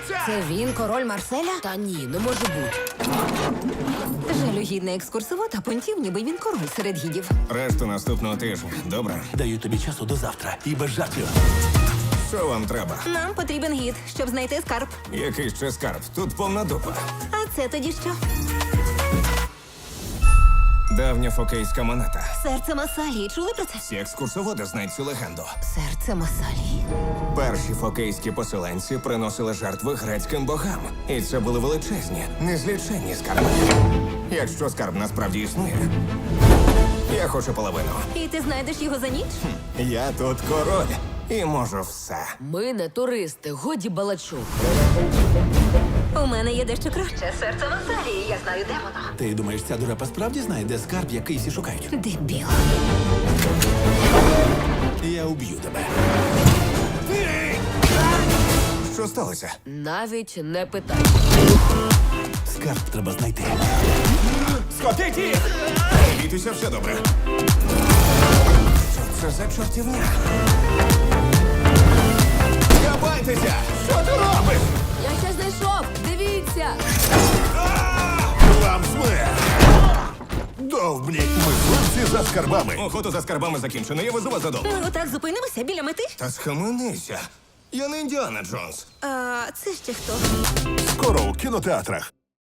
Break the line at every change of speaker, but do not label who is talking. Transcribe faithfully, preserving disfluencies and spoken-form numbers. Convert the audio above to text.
Дивіться!
Це він, король Марселя?
Та ні, не може бути.
Жалюгідний екскурсовод, а понтів, ніби він король серед гідів.
Решту наступного тижня. Добре?
Даю тобі часу до завтра. І без жартів.
Що вам треба?
Нам потрібен гід, щоб знайти скарб.
Який ще скарб? Тут повна дупа.
А це тоді що?
Давня фокейська монета.
Серце Масалії. Чули про це?
Всі екскурсоводи знають цю легенду.
Серце Масалії.
Перші фокейські поселенці приносили жертви грецьким богам. І це були величезні, незліченні скарби. Якщо скарб насправді існує, я хочу половину.
І ти знайдеш його за ніч?
Я тут король і можу все.
Ми не туристи, годі балачок.
У мене є дещо краще. Серце Масалії. Я знаю, де воно.
Ти думаєш, ця дурепа справді знає, де скарб, який всі шукають?
Дебіл.
Я уб'ю тебе.
Що сталося?
Навіть не питай.
Скарб треба знайти.
Скотиті! Бійтеся, все добре. Що це за чортівня? Кабайтеся! Що ти робиш?
Я ще знайшов! Дивіться!
Вам смерть! Довбні! Мисливці за скарбами!
Охота за скарбами закінчена, я везу вас додому.
Ми отак зупинимося біля мети?
Та схаменися. Я не Індіана Джонс.
А це ще хто?
Скоро у кінотеатрах.